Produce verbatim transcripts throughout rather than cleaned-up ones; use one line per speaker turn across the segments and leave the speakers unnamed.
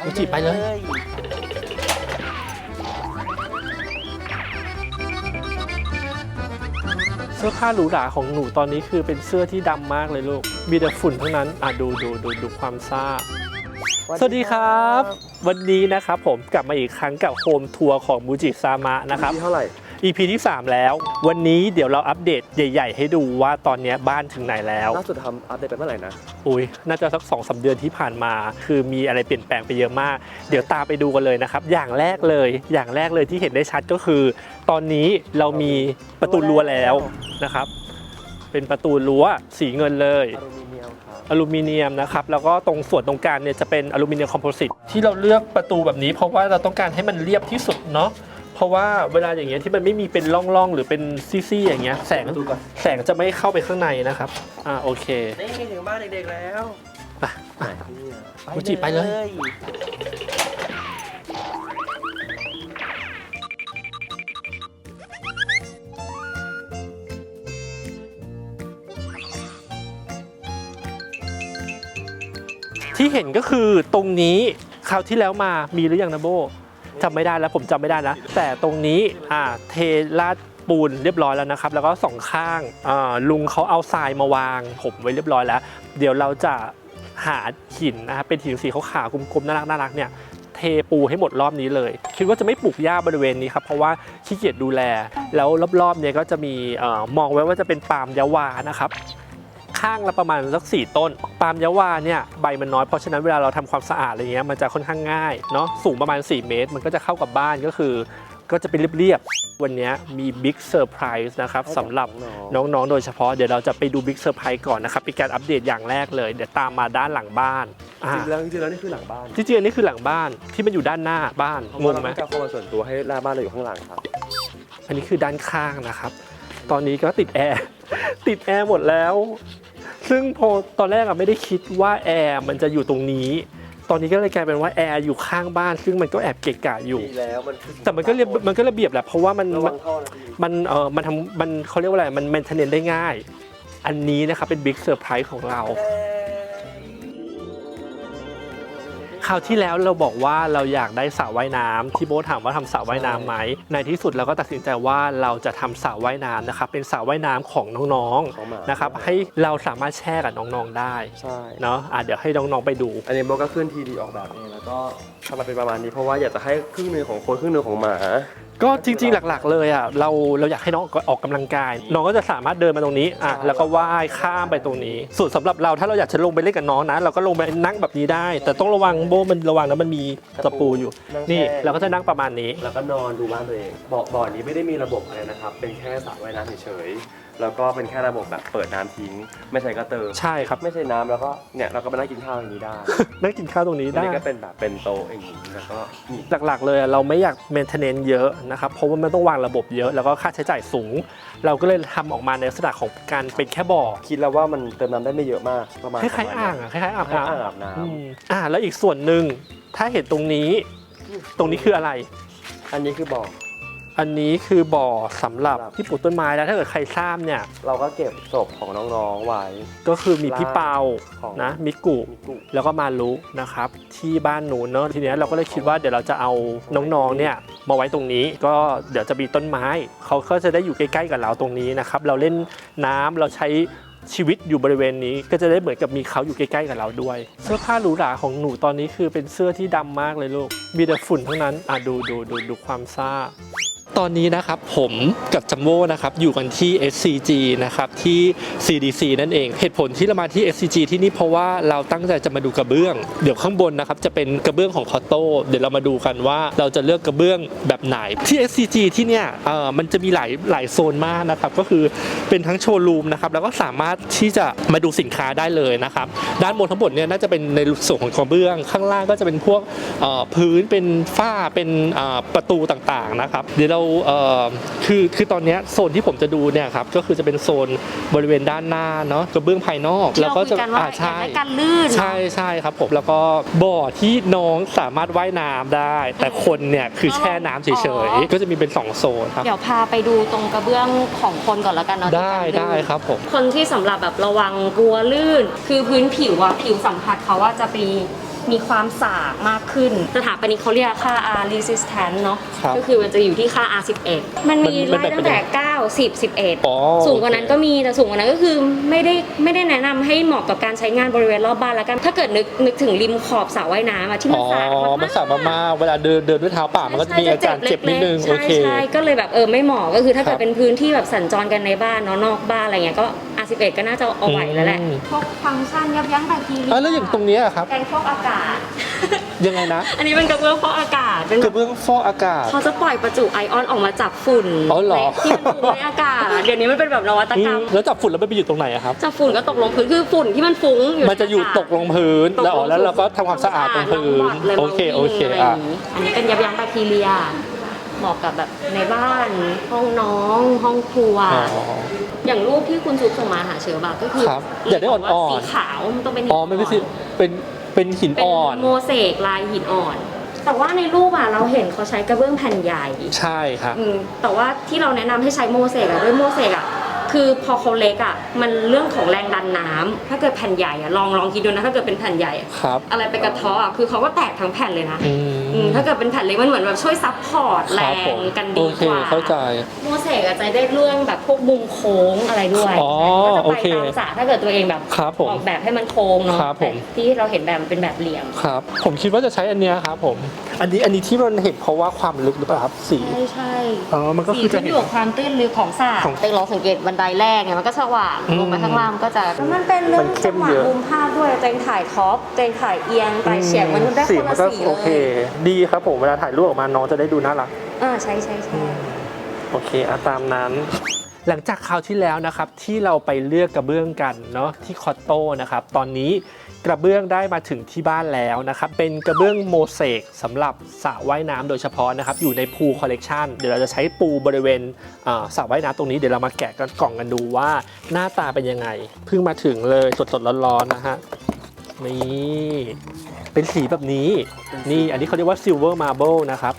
มูจิไปเลยเสื้อผ้าหรูหราของหนูตอนนี้คือเป็นเสื้อที่ดำมากเลยลูกมีแต่ฝุ่นทั้งนั้นอ่ะดูดูดูดูความซ่าสวัสดีครับวันนี้นะครับผมกลับมาอีกครั้งกับโฮมทัวร์ของมูจิซามะนะครับ
เท่าไหร่
อี พี ที่สามแล้ววันนี้เดี๋ยวเราอัปเดตใหญ่ๆให้ดูว่าตอนนี้บ้านถึงไหนแล้ว
ล่าสุดทำอัปเดตไปเมื่อไหร่นะ
อุ้ยน่าจะสัก สองถึงสาม เดือนที่ผ่านมาคือมีอะไรเปลี่ยนแปลงไปเยอะมากเดี๋ยวตามไปดูกันเลยนะครับอย่างแรกเลยอย่างแรกเลยที่เห็นได้ชัดก็คือตอนนี้เรามีประตูรั้วแล้วนะครับเป็นประตูรั้วสีเงินเลย
อลูมิเนียมครับ
อลูมิเนียมนะครับแล้วก็ตรงส่วนตรงกลางเนี่ยจะเป็นอลูมิเนียมคอมโพสิตที่เราเลือกประตูแบบนี้เพราะว่าเราต้องการให้มันเรียบที่สุดเนาะเพราะว่าเวลาอย่างเงี้ยที่มันไม่มีเป็นร่องๆหรือเป็นซี่ๆอย่างเงี้ยแสงแสงจะไม่เข้าไปข้างในนะครับอ่าโอเค
นี่ถึงบ้านเด็กๆแล้ว
ไปไปมูจิไปเลยที่เห็นก็คือตรงนี้คราวที่แล้วมามีหรือยังนะโบจำไม่ได้แล้วผมจำไม่ได้นะแต่ตรงนี้อ่าเทราดปูนเรียบร้อยแล้วนะครับแล้วก็สองข้างอ่าลุงเขาเอาทรายมาวางผมไว้เรียบร้อยแล้วเดี๋ยวเราจะหาหินนะครับเป็นหินสีขาวๆกลมๆน่ารักน่ารักเนี่ยเทปูให้หมดรอบนี้เลยคิดว่าจะไม่ปลูกหญ้าบริเวณนี้ครับเพราะว่าขี้เกียจดูแลแล้วรอบๆเนี่ยก็จะมีเอ่อมองไว้ว่าจะเป็นปาล์มยะวานะครับข้างละประมาณสักสี่ต้นปาล์มยะวาเนี่ยใบมันน้อยเพราะฉะนั้นเวลาเราทำความสะอาดอะไรเงี้ยมันจะค่อนข้างง่ายเนาะสูงประมาณสี่เมตรมันก็จะเข้ากับบ้านก็คือก็จะเป็นเรียบๆวันนี้มีบิ๊กเซอร์ไพรส์นะครับสำหรับน้องๆโดยเฉพาะเดี๋ยวเราจะไปดูบิ๊กเซอร์ไพรส์ก่อนนะครับเป็นการอัปเดตอย่างแรกเลยเดี๋ยวตามมาด้านหลังบ้าน
จริงแล้วจริงแล้วนี่คือหลังบ้าน
จริงๆนี่คือหลังบ้านที่มันอยู่ด้านหน้าบ้านงงไหม
จะเข้ามาส่วนตัวให้หน้าบ้านเราอยู่ข้างหลังครับ
อันนี้คือด้านข้างนะครับตอนนี้ก็ติดแอร์ติดแอร์หมดแล้วซึ่งพอตอนแรกอะไม่ได้คิดว่าแอร์มันจะอยู่ตรงนี้ตอนนี้ก็เลยกลายเป็นว่าแอร์อยู่ข้างบ้านซึ่งมันก็แอบเกะกะอยู่แต่มันก็เรียบมันก็ระเบียบแหละเพราะว่ามันมันเออมันทำมันเขาเรียกว่าอะไรมันเมนเทนเนนได้ง่ายอันนี้นะครับเป็นบิ๊กเซอร์ไพรส์ของเราคราวที่แล้วเราบอกว่าเราอยากได้สระว่ายน้ำที่โบ๊ทถามว่าทำสระว่ายน้ำไหมในที่สุดเราก็ตัดสินใจว่าเราจะทำสระว่ายน้ำนะครับเป็นสระว่ายน้ำของน้องๆนะครับให้เราสามารถแช่กับน้องๆได้
ใช่
เนาะอ่ะเดี๋ยวให้น้องๆไปดู
อันนี้โบ๊ทก็ขึ้นทีดีออกแบบเองแล้วก็ทำมาเป็นประมาณนี้เพราะว่าอยากจะให้ครึ่งนึงของคนครึ่งนึงของหมา
ก็จริงๆหลักๆเลยอ่ะเราเราอยากให้น้องออกกำลังกายน้องก็จะสามารถเดินมาตรงนี้อ่ะแล้วก็ว่ายข้ามไปตรงนี้ส่วนสำหรับเราถ้าเราอยากจะลงไปเล่นกับน้องนะเราก็ลงไปนั่งแบบนี้ได้แต่ต้องระวังโบมันระวังนะมันมีตะปูอยู่นี่เราก็จะนั่งประมาณนี้
แล้วก็นอนดูบ้านตัวเองบ่อบ่อนี้ไม่ได้มีระบบอะไรนะครับเป็นแค่สระว่ายน้ำเฉยๆแล้วก็เป็นแค่ระบบแบบเปิดน้ำทิ้งไม่ใช่กระเติม
ใช่ครับ
ไม่ใช่น้ำแล้วก็เนี่ยเราก็มานั่งกินข้าวอย่างนี้ได้
นั่งกินข้าวตรงนี้ได้
ก็เป็นแบบเป็นโต๊ะอย่างนี้แล้วก็
หลักๆเลยเราไม่อยากเมนเทนเนนเยอะนะครับเพราะว่ามันต้องวางระบบเยอะแล้วก็ค่าใช้จ่ายสูงเราก็เลยทำออกมาในลักษณะของการเป็นแค่บ่อ
คิดแล้วว่ามันเติมน้ำได้ไม่เยอะมากประมาณ
คล้ายๆอ่างอ่ะคล้ายๆอาบน้ำ
อาบน้
ำอ่าแล้วอีกส่วนหนึ่งถ้าเห็นตรงนี้ตรงนี้คืออะไร
อันนี้คือบ่อ
อันนี้คือบ่อสำหรับที่ปลูกต้นไม้แล้วถ้าเกิดใครทราบเนี่ย
เราก็เก็บศพของน้องๆไว้
ก็คือมีพี่เปานะมิกุแล้วก็มารุนะครับที่บ้านหนูเนอะทีนี้เราก็เลยคิดว่าเดี๋ยวเราจะเอาน้องๆเนี่ยมาไว้ตรงนี้ก็เดี๋ยวจะมีต้นไม้เขาก็จะได้อยู่ใกล้ๆกับเราตรงนี้นะครับเราเล่นน้ำเราใช้ชีวิตอยู่บริเวณนี้ก็จะได้เหมือนกับมีเขาอยู่ใกล้ๆกับเราด้วยเสื้อผ้าหรูหราของหนูตอนนี้คือเป็นเสื้อที่ดำมากเลยลูกมีแต่ฝุ่นทั้งนั้นอ่ะดูดูดูดูความซ่าตอนนี้นะครับผมกับจัมโบ้นะครับอยู่กันที่ เอส ซี จี นะครับที่ ซี ดี ซี นั่นเองเหตุผลที่เรามาที่ เอส ซี จี ที่นี่เพราะว่าเราตั้งใจจะมาดูกระเบื้องเดี๋ยวข้างบนนะครับจะเป็นกระเบื้องของคอตโต้เดี๋ยวเรามาดูกันว่าเราจะเลือกกระเบื้องแบบไหนที่ เอส ซี จี ที่เนี่ยเอ่อมันจะมีหลายหลายโซนมากนะครับก็คือเป็นทั้งโชว์รูมนะครับแล้วก็สามารถที่จะมาดูสินค้าได้เลยนะครับด้านบนทั้งหมดเนี่ยน่าจะเป็นในส่วนของกระเบื้องข้างล่างก็จะเป็นพวกเอ่อพื้นเป็นฝ้าเป็นเอ่อประตูต่างๆนะครับเดี๋ยวเราเอ่อคือคือตอนนี้โซนที่ผมจะดูเนี่ยครับก็คือจะเป็นโซนบริเวณด้านหน้าเนาะกระเบื้องภายนอก
แล้วก็จะอ่าใช่การลื่น
ใช่ใช่ครับผมแล้วก็บ่อที่น้องสามารถว่ายน้ำได้แต่คนเนี่ยคือแช่น้ำเฉยๆก็จะมีเป็นสองโซนครับ
เดี๋ยวพาไปดูตรงกระเบื้องของคนก่อนแล้วกันเนาะ
ได้ได้ครับผม
คนที่สำหรับแบบระวังกลัวลื่นคือพื้นผิวอะผิวสัมผัสเขาว่าจะไปมีความสากมากขึ้นสถาปนิกเขาเรียกค่า R resistance เนาะ
ครับ
ก็คือมันจะอยู่ที่ค่า R สิบเอ็ดมันมี
มัน
ไล่
มัน
ตั้งแต่
เป็น
เก้า สิบ สิบเอ็ด
อ๋อ
สูงกว่านั้นก็มีแต่สูงกว่านั้นก็คือไม่ได้ไม่ได้แนะนำให้เหมาะกับการใช้งานบริเวณรอบบ้านแล้วกันถ้าเกิดนึกนึกถึงริมขอบสระว่ายน้ำอะที่มัน
อ๋อ
สากมากๆ
มันสากมากๆเวลาเดินเดินด้วยเท้าเปล่ามันก็จะมีอาการเจ็บนิดนึง
ใช่
โอเค
ใช่ก็เลยแบบเออไม่เหมาะก็คือถ้าเกิ
ครั
ด
บ
เป็นพื้นที่แบบสัญจรกันในบ้านเนาะนอกบ้านอะไรเงี้ยก็ R สิบเอ็ดก็น่าจะเอาไหวแล้วแหละ
อืม
พวกฟังก์ชันยับยั้งแบคทีเรีย
อ่ะแล้วอย่างตรงเนี้ยอะครับ
แกงฟอกอากาศ
ยังไงนะ
อันนี้เป็นกระเบื้องฟอกอากาศเป็น
กระเบื้องฟอกอากาศ
เขาจะปล่อยประจุไอออนออกมาจับฝุ่น
อ๋อเหรอ
ที่มันฟุ้งในอากาศเดี๋ยวนี้มันเป็นแบบนวัต
อื
กรร
ม
ม
แล้วจับฝุ่นแล้วมันไปอยู่ตรงไหนอะครับ
จับฝุ่นก็ตกลงพื้นคือฝุ่นที่มันฟุ้งอยู่
มันจะอยู่
ใากาศ
ตกลงพื้นแล้วอ๋อแล้วเราก็ทำความสะอาดตรงพื้น
เลย
โอเคโอเค
อะไรอ
อ่ะ
ย่างนี้อันนี้เป็นยับยั้งแบคทีเรียเหมาะกับแบบในบ้านห้องน้องห้องครัว
อ๋อ
อย่างรูปที่คุณซุปส่งมาหาเชอร์บาก็คือ
ครับอยากได้อ่อนๆ
บว่าสีขาวมันต้องเป็นหิน
อ๋อไม่เป็นสิเป็นเป็นหิน
เป็น
อ่อน
โมเสกลายหินอ่อน แต่ว่าในรูปอ่ะเราเห็นเขาใช้กระเบื้องแผ่นใหญ่
ใช่ครับ
อืมแต่ว่าที่เราแนะนำให้ใช้โมเสกอะด้วยโมเสกอะคือพอเขาเล็กอะมันเรื่องของแรงดันน้ำถ้าเกิดแผ่นใหญ่อะลองลองคิดดูนะถ้าเกิดเป็นแผ่นใหญ่อะ
ครับ
อะไรไปกระเทาะอะคือเขาก็แตกทั้งแผ่นเลยนะ
อื
อืม
ม
ถ้าเกิดเป็นแผ่นเล็กมันเหมือนแบบช่วยซับพอร์ตแร
ครับผ
ง
ม
กัน
โอ
ดี
เค
กว่า
เข้าใจ
โมเสกอะจะได้เรื่องแบบพวกมุมโค้งอะไรด้วย
อ๋อ
ก็จะ
โอ
ไป
เค
ตามสระถ้าเกิดตัวเองแบบ
ครับผม
ออกแบบให้มันโค้งเนาะ
ครับผม
แต่ที่เราเห็นแบบมันเป็นแบบเหลี่ยม
ครับ ผมคิดว่าจะใช้อันเนี้ยครับผม อันนี้อันนี้ที่มันเห็นเพราะว่าความลึกหรือเปล่าครับสี
ใช่ใช่
อ๋อมันก็
สี
คือจะ
ขึ้น
เห็
อน ยู่กับความตื้นลึกของสระ
ของ
เต็งลองสังเกตบันไดแรกเนี่ยมันก็สว่าง
อืม
ลงมาข้างล่างมันก็จะแล้วมันเป็นเรื่อ
มั
ง
นเข้
จั
ม
งหวะ
เยอะ
มุมภาพด้วยเต็งถ่ายท็อปเต็งถ่ายเอียงไต่เฉียงมันได้
สี
คน
มั
ละ
นก็
สี
โอ
เล
เค
ย
ดีครับผมเวลาถ่ายรูปออกมาน้องจะได้ดูน่ารัก
อ่าใช่ใช่ใช่
โอเคอะตามนั้น หลังจากคราวที่แล้วนะครับที่เราไปเลือกกระเบื้องกันเนาะที่คอตโต้นะครับตอนนี้กระเบื้องได้มาถึงที่บ้านแล้วนะครับเป็นกระเบื้องโมเสกสำหรับสระว่ายน้ำโดยเฉพาะนะครับอยู่ในพูลคอลเลกชันเดี๋ยวเราจะใช้ปูบริเวณอ่าสระว่ายน้ำตรงนี้เดี๋ยวเรามาแกะกันกล่องกันดูว่าหน้าตาเป็นยังไงเพิ่งมาถึงเลยสดๆร้อนๆนะฮะนี่เป็นสีแบบนี้นี่อันนี้เขาเรียกว่าซิลเวอร์มาร์เบิลนะครับ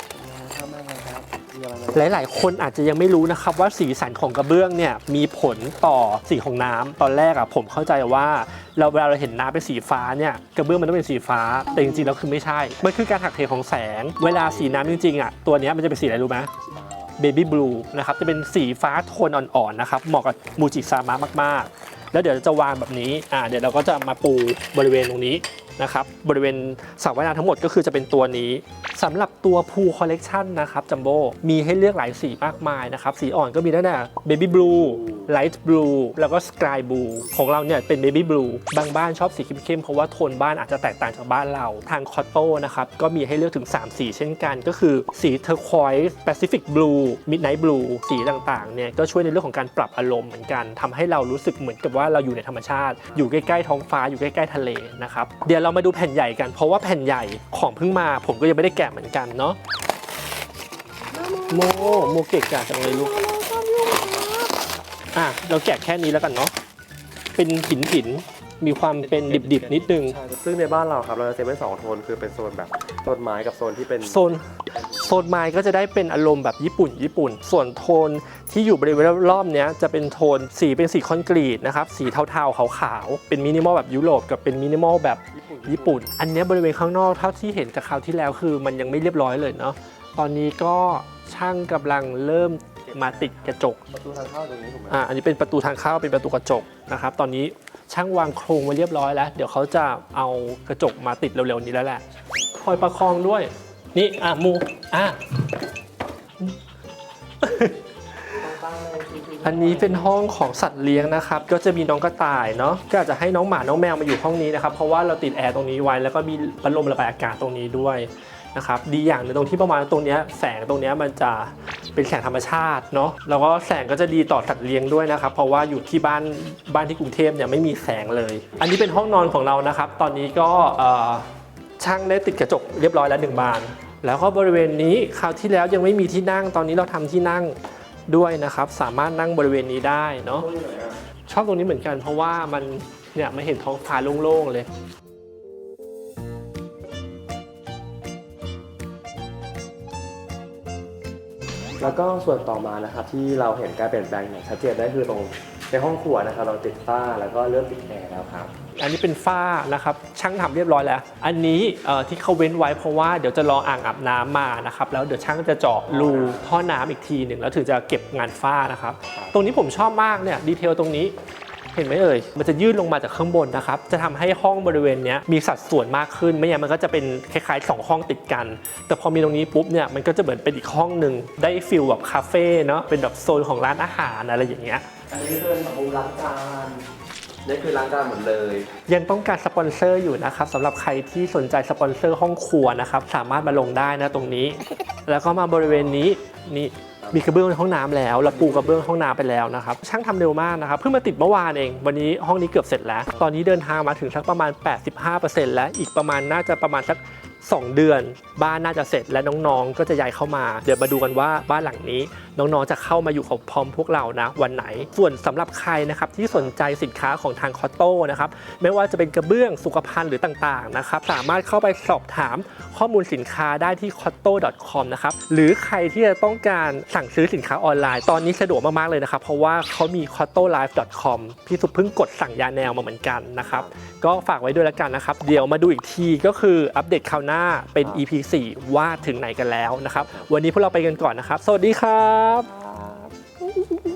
หลายๆ คนอาจจะยังไม่รู้นะครับว่าสีสันของกระเบื้องเนี่ยมีผลต่อสีของน้ำตอนแรกอะผมเข้าใจว่าเราเวลาเราเห็นน้ำเป็นสีฟ้าเนี่ยกระเบื้องมันต้องเป็นสีฟ้าแต่จริงๆแล้วคือไม่ใช่มันคือการหักเหของแสงเวลาสีน้ำจริงๆอะตัวเนี้ยมันจะเป็นสีอะไรรู้ไหมเบบี้บลูนะครับจะเป็นสีฟ้าโทนอ่อนๆนะครับเหมาะกับมูจิซามะมากๆแล้วเดี๋ยวเราจะวางแบบนี้อ่าเดี๋ยวเราก็จะมาปูบริเวณตรงนี้นะครับบริเวณสระว่ายน้ำทั้งหมดก็คือจะเป็นตัวนี้สำหรับตัวพูลคอลเลกชันนะครับจัมโบ้มีให้เลือกหลายสีมากมายนะครับสีอ่อนก็มีตั้งแต่เบบี้บลูไลท์บลูแล้วก็สกายบลูของเราเนี่ยเป็นเบบี้บลูบางบ้านชอบสีเข้มๆเพราะว่าโทนบ้านอาจจะแตกต่างจากบ้านเราทางคอตโต้นะครับก็มีให้เลือกถึงสามสีเช่นกันก็คือสีเทอร์ควอยส์แปซิฟิกบลูมิดไนท์บลูสีต่างๆเนี่ยก็ช่วยในเรื่องของการปรับอารมณ์เหมือนกันทำให้เรารู้สึกเหมือนกับว่าเราอยู่ในธรรมชาติอยู่ใกล้ๆท้องฟ้าอยู่ใกล้ๆทะเลนะครับเดี๋ยวเรามาดูแผ่นใหญ่กันเพราะว่าแผ่นใหญ่ของเพิ่งมาผมก็ยังไม่ได้แกะเหมือนกันเนาะโมโมเก่งจังเลยลูกอ่ะเราแกะแค่นี้แล้วกันเนาะเป็นหินหินมีความเป็นดิบๆนิดนึง
ใช่ซึ่งในบ้านเราครับเราจะเซตไว้สองโทนคือเป็นโซนแบบโซนไม้กับโซนที่เป็น
โซนโซนไม้ก็จะได้เป็นอารมณ์แบบญี่ปุ่นญี่ปุ่นส่วนโทนที่อยู่บริเวณรอบๆเนี้ยจะเป็นโทนสีเป็นสีคอนกรีตนะครับสีเทาๆขาวๆเป็นมินิมอลแบบยุโรปกับเป็นมินิมอลแบบญี่ปุ่นอันเนี้ยบริเวณข้างนอกเท่าที่เห็นจากคราวที่แล้วคือมันยังไม่เรียบร้อยเลยเนาะตอนนี้ก็ช่างกำลังเริ่มมาติดกระจก
ประตูทางเข้าตรงนี้ถูกไหม
อ่าอันนี้เป็นประตูทางเข้าเป็นประตูกระจกนะครับตอนนี้ช่างวางโครงไว้เรียบร้อยแล้วเดี๋ยวเขาจะเอากระจกมาติดเร็วๆนี้แล้วแหละคอยประคองด้วยนี่อ่ะมูอ่ะ อันนี้เป็นห้องของสัตว์เลี้ยงนะครับก็จะมีน้องกระต่ายเนาะก็อาจจะให้น้องหมาน้องแมวมาอยู่ห้องนี้นะครับเพราะว่าเราติดแอร์ตรงนี้ไว้แล้วก็มีพัดลมระบายอากาศตรงนี้ด้วยนะครับดีอย่างหนึงตรงที่ประมาณตรงเนี้ยแสงตรงเนี้ยมันจะเป็นแสงธรรมชาติเนาะแล้วก็แสงก็จะดีต่อสัตว์เลี้ยงด้วยนะครับเพราะว่าอยู่ที่บ้านบ้านที่กรุงเทพเนี่ยไม่มีแสงเลย อันนี้เป็นห้องนอนของเรานะครับตอนนี้ก็เอ่อช่างได้ติดกระจกเรียบร้อยแล้วหนึ่งบานแล้วก็บริเวณนี้คราวที่แล้วยังไม่มีที่นั่งตอนนี้เราทำที่นั่งด้วยนะครับสามารถนั่งบริเวณนี้ได้เนาะชอบตรงนี้เหมือนกันเพราะว่ามันเนี่ยไม่เห็นท้องฟ้าโล่งๆเลย
แล้วก็ส่วนต่อมานะครับที่เราเห็นการเปลี่ยนแปลงอย่างชัดเจนได้คือตรงในห้องครัวนะครับเราติดฝ้าแล้วก็เริ่มติดแอร์แล้วครับ
อันนี้เป็นฝ้านะครับช่างทำเรียบร้อยแล้วอันนี้เอ่อที่เขาเว้นไว้เพราะว่าเดี๋ยวจะรออ่างอาบน้ำมานะครับแล้วเดี๋ยวช่างจะเจาะรูท่อน้ำอีกทีหนึ่งแล้วถึงจะเก็บงานฝ้านะครับตรงนี้ผมชอบมากเนี่ยดีเทลตรงนี้เห็นไหมเอ่ยมันจะยื่นลงมาจากข้างบนนะครับจะทำให้ห้องบริเวณนี้มีสัดส่วนมากขึ้นไม่งั้นมันก็จะเป็นคล้ายๆสองห้องติดกันแต่พอมีตรงนี้ปุ๊บเนี่ยมันก็จะเหมือนเป็นอีกห้องหนึ่งได้ฟิลแบบคาเฟ่เนาะเป็นแบบโซนของร้านอาหารอะไรอย่างเงี้ย
อันนี้เป็นแบบมุมล้างจานนี่คือล้างจานหมดเลย
ยังต้องการสปอนเซอร์อยู่นะครับสำหรับใครที่สนใจสปอนเซอร์ห้องครัวนะครับสามารถมาลงได้นะตรงนี้ แล้วก็มาบริเวณนี้นี่มีกระเบื้องในห้องน้ำแล้วแล้วปูกระเบื้องห้องน้ำไปแล้วนะครับช่างทำเร็วมากนะครับเพิ่งมาติดเมื่อวานเองวันนี้ห้องนี้เกือบเสร็จแล้วตอนนี้เดินทางมาถึงสักประมาณ แปดสิบห้าเปอร์เซ็นต์ แล้วอีกประมาณน่าจะประมาณสักสองเดือนบ้านน่าจะเสร็จและน้องๆก็จะย้ายเข้ามาเดี๋ยวมาดูกันว่าบ้านหลังนี้น้องๆจะเข้ามาอยู่กับพร้อมพวกเรานะวันไหนส่วนสำหรับใครนะครับที่สนใจสินค้าของทางคอตโต้นะครับไม่ว่าจะเป็นกระเบื้องสุขภัณฑ์หรือต่างๆนะครับสามารถเข้าไปสอบถามข้อมูลสินค้าได้ที่ คอตโต้ ดอท คอม นะครับหรือใครที่จะต้องการสั่งซื้อสินค้าออนไลน์ตอนนี้สะดวกมากๆเลยนะครับเพราะว่าเขามี คอตโต้ไลฟ์ ดอท คอม พี่สุเพิ่งกดสั่งยาแนวมาเหมือนกันนะครับก็ฝากไว้ด้วยแล้วกันนะครับเดี๋ยวมาดูอีกทีก็คืออัปเดตคราวหน้าเป็น อี พี สี่ ว่าถึงไหนกันแล้วนะครับวันนี้พวกเราไปกันก่อนนะครับสวัสดีครับ